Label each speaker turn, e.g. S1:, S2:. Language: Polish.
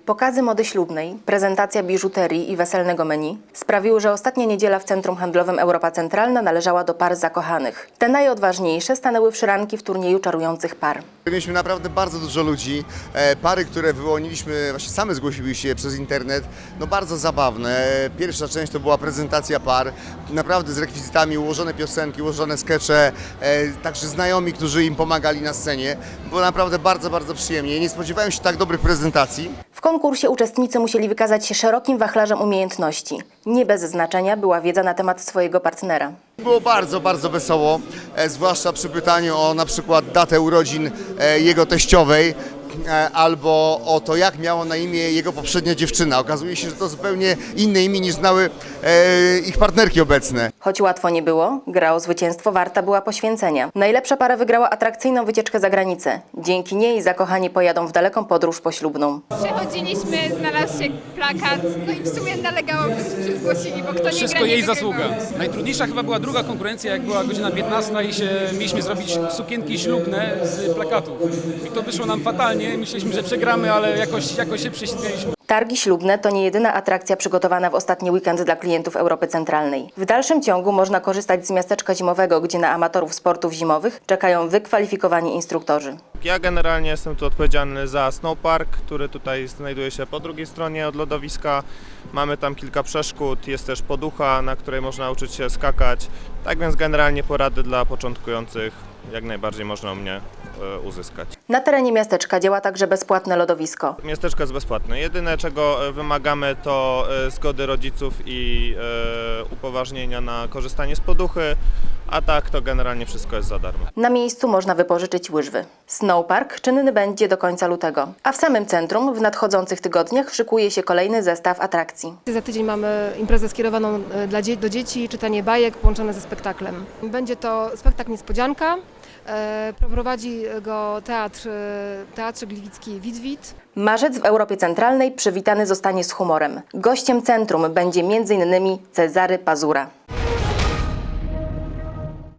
S1: Pokazy mody ślubnej, prezentacja biżuterii i weselnego menu sprawiły, że ostatnia niedziela w Centrum Handlowym Europa Centralna należała do par zakochanych. Te najodważniejsze stanęły w szranki w turnieju czarujących par.
S2: Mieliśmy naprawdę bardzo dużo ludzi, pary, które wyłoniliśmy, właśnie same zgłosiły się przez internet, no bardzo zabawne. Pierwsza część to była prezentacja par, naprawdę z rekwizytami, ułożone piosenki, ułożone skecze, także znajomi, którzy im pomagali na scenie. Było naprawdę bardzo, bardzo przyjemnie. Nie spodziewałem się tak dobrych prezentacji.
S1: W konkursie uczestnicy musieli wykazać się szerokim wachlarzem umiejętności. Nie bez znaczenia była wiedza na temat swojego partnera.
S2: Było bardzo, bardzo wesoło, zwłaszcza przy pytaniu o na przykład datę urodzin jego teściowej, albo o to, jak miała na imię jego poprzednia dziewczyna. Okazuje się, że to zupełnie inne imię niż znały ich partnerki obecne.
S1: Choć łatwo nie było, gra o zwycięstwo warta była poświęcenia. Najlepsza para wygrała atrakcyjną wycieczkę za granicę. Dzięki niej zakochani pojadą w daleką podróż poślubną.
S3: Przechodziliśmy, znalazł się plakat, no i w sumie nalegało, żebyśmy się zgłosili, bo kto nie
S4: Wszystko
S3: gra, nie
S4: jej
S3: wygrywa.
S4: zasługa. Najtrudniejsza chyba była druga konkurencja, jak była godzina 15 i mieliśmy zrobić sukienki ślubne z plakatów. I to wyszło nam fatalnie. Myśleliśmy, że przegramy, ale jakoś się prześmieliśmy.
S1: Targi ślubne to nie jedyna atrakcja przygotowana w ostatni weekend dla klientów Europy Centralnej. W dalszym ciągu można korzystać z miasteczka zimowego, gdzie na amatorów sportów zimowych czekają wykwalifikowani instruktorzy.
S5: Ja generalnie jestem tu odpowiedzialny za snowpark, który tutaj znajduje się po drugiej stronie od lodowiska. Mamy tam kilka przeszkód, jest też poducha, na której można uczyć się skakać. Tak więc generalnie porady dla początkujących jak najbardziej można u mnie uzyskać.
S1: Na terenie miasteczka działa także bezpłatne lodowisko.
S5: Miasteczko jest bezpłatne. Jedyne czego wymagamy to zgody rodziców i upoważnienia na korzystanie z poduchy, a tak to generalnie wszystko jest za darmo.
S1: Na miejscu można wypożyczyć łyżwy. Snowpark czynny będzie do końca lutego, a w samym centrum w nadchodzących tygodniach szykuje się kolejny zestaw atrakcji.
S6: Za tydzień mamy imprezę skierowaną do dzieci, czytanie bajek połączone ze spektaklem. Będzie to spektakl niespodzianka. Prowadzi go Teatr Gliwicki Witwit.
S1: Marzec w Europie Centralnej przywitany zostanie z humorem. Gościem centrum będzie m.in. Cezary Pazura.